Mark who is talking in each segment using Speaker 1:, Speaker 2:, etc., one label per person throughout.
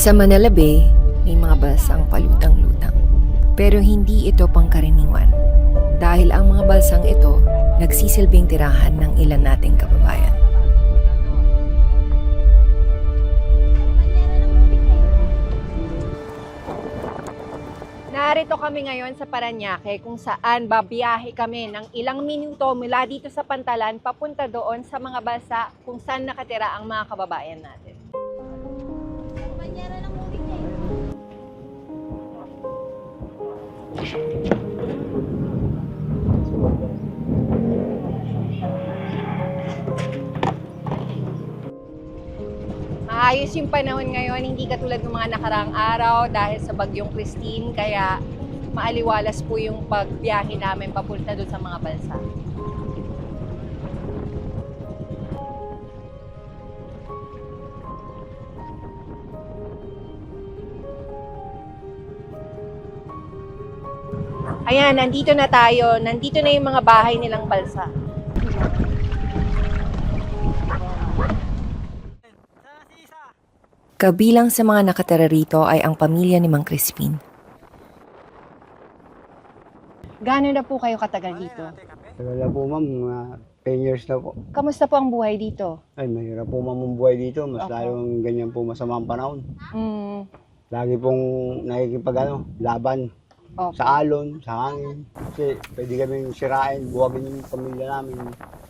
Speaker 1: Sa Manila Bay, may mga balsang palutang-lutang. Pero hindi ito pangkaraniwan. Dahil ang mga balsang ito, nagsisilbing tirahan ng ilan nating kababayan.
Speaker 2: Narito kami ngayon sa Parañaque kung saan babiyahe kami ng ilang minuto mula dito sa Pantalan papunta doon sa mga balsa kung saan nakatira ang mga kababayan natin. Maayos yung panahon ngayon, hindi katulad ng mga nakaraang araw dahil sa bagyong Christine, kaya maaliwalas po yung pagbiyahe namin papunta doon sa mga balsa. Ayan, nandito na tayo. Nandito na yung mga bahay nilang balsa.
Speaker 1: Kabilang sa mga nakatira rito ay ang pamilya ni Mang Crispin.
Speaker 2: Gano'n na po kayo katagal dito?
Speaker 3: Tagal na po ma'am, mga 10 years na po.
Speaker 2: Kamusta po ang buhay dito?
Speaker 3: Ay, mahirap po ma'am ang buhay dito. Mas
Speaker 2: Opo.
Speaker 3: lalong ganyan po masamang panahon.
Speaker 2: Mm,
Speaker 3: Lagi pong laban
Speaker 2: opo.
Speaker 3: sa alon, sa hangin. Kasi pwede kaming sirain, buwagin yung pamilya namin.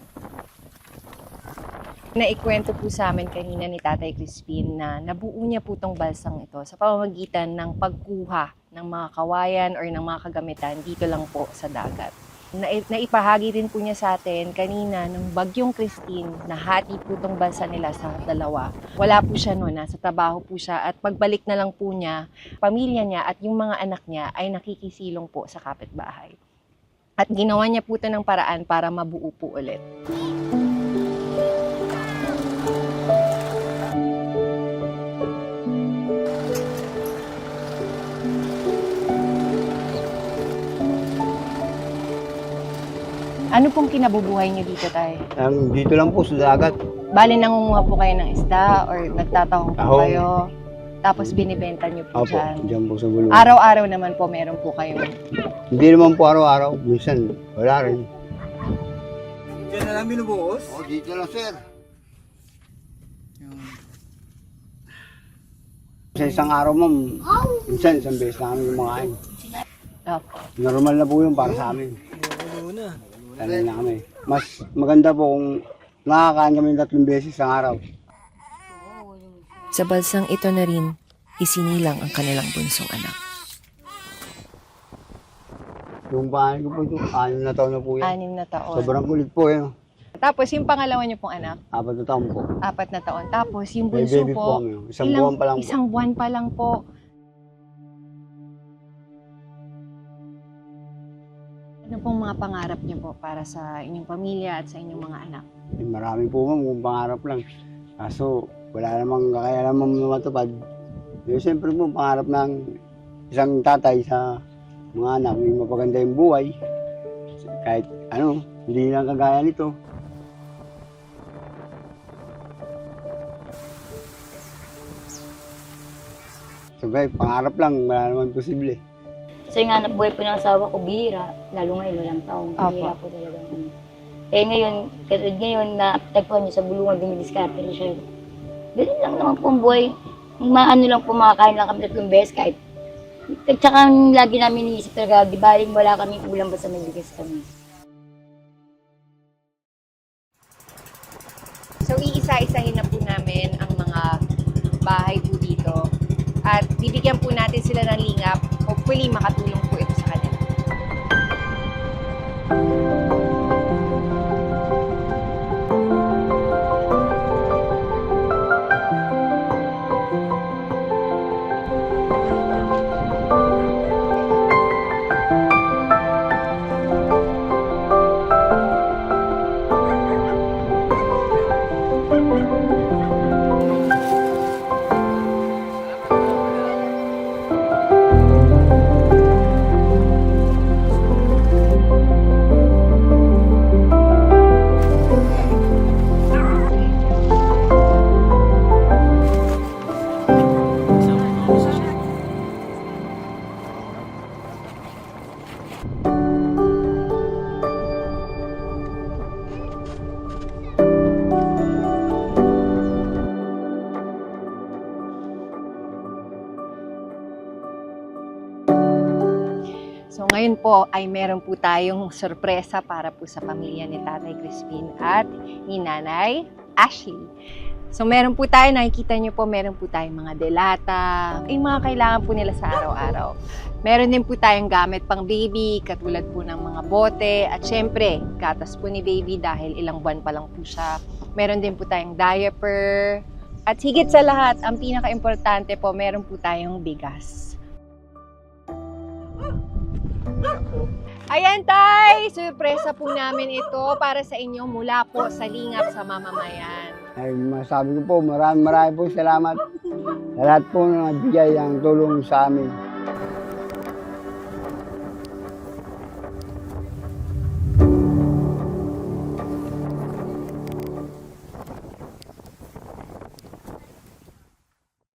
Speaker 2: Naikwento po sa amin kanina ni Tatay Crispin na nabuo niya po tong balsang ito sa pamamagitan ng pagkuha ng mga kawayan or ng mga kagamitan dito lang po sa dagat. Naipahagi din po niya sa atin kanina ng bagyong Christine, nahati po tong balsa nila sa dalawa. Wala po siya noon, nasa trabaho po siya at pagbalik na lang po niya, pamilya niya at yung mga anak niya ay nakikisilong po sa kapitbahay. At ginawa niya po ito ng paraan para mabuo po ulit. Ano pong kinabubuhay niyo dito, Tay?
Speaker 3: Dito lang po sa dagat.
Speaker 2: Bali, nangunguha po kayo ng isda or nagtatahong po
Speaker 3: Tahong.
Speaker 2: kayo, tapos binibenta niyo po
Speaker 3: Opo,
Speaker 2: dyan.
Speaker 3: dyan po sa gulong.
Speaker 2: Araw-araw naman po meron po kayo.
Speaker 3: Hindi naman po araw-araw. Minsan, wala rin.
Speaker 4: Diyan na lang binubuhos?
Speaker 3: Oh, dito lang sir. Sa isang araw ma'am, minsan isang beses na kami kumakain.
Speaker 2: Opo.
Speaker 3: Normal na po yun para sa amin.
Speaker 4: Oo na.
Speaker 3: Sanay na kami. Mas maganda po kung nakakain kami 3 beses sa araw.
Speaker 1: Sa balsang ito na rin, isinilang ang kanilang bunsong anak.
Speaker 3: Yung bahay ko po ito, 6 na taon na po yan.
Speaker 2: 6 na taon.
Speaker 3: Sobrang kulit po yan.
Speaker 2: Tapos yung pangalawa niyo pong anak,
Speaker 3: 4 na taon po.
Speaker 2: 4 na taon. Tapos yung
Speaker 3: May
Speaker 2: bunso
Speaker 3: baby po
Speaker 2: po,
Speaker 3: kami. Isang buwan pa lang po.
Speaker 2: Isang buwan pa lang po. Ano pong mga pangarap niyo po para sa inyong pamilya at sa inyong mga anak?
Speaker 3: Eh, marami po ma'am kung pangarap lang. Kaso wala namang kakayanan ma'am na matupad. Eh, siyempre po pangarap ng isang tatay sa mga anak, may mapaganda yung buhay. Kahit ano, hindi lang kagaya nito. Sabay, pangarap lang, wala naman posible.
Speaker 5: Kasi nga hanap buhay po ng asawa ko, bihira. Lalo ngayon, walang taong.
Speaker 2: Apo.
Speaker 5: Bihira po talaga. Eh ngayon, katulad ngayon na tagpuan niyo sa bulungan, dumidiskarte rin siya. Ganun lang naman po ang buhay. Maano lang po, makakain lang kami 3 beses kahit. At saka lagi namin iniisip talaga, di baling wala kaming ulam basta may bigas kami.
Speaker 2: So, iisa-isahin na po namin ang mga bahay po dito. At bibigyan po natin sila ng lingap. Hopefully, makatulong po ito sa kanila. So ngayon po ay meron po tayong sorpresa para po sa pamilya ni Tatay Crispin at ni Nanay Ashley. So meron po tayo, nakikita nyo po, meron po tayong mga delata, yung mga kailangan po nila sa araw-araw. Meron din po tayong gamit pang baby, katulad po ng mga bote, at syempre, gatas po ni baby dahil ilang buwan pa lang po siya. Meron din po tayong diaper, at higit sa lahat, ang pinaka-importante po, meron po tayong bigas. Ayan, Tay! Surpresa po namin ito para sa inyo mula po sa Lingap sa Mamamayan.
Speaker 3: Ay, masabi ko po, marami po salamat sa lahat po na nagbigay ang tulong sa amin.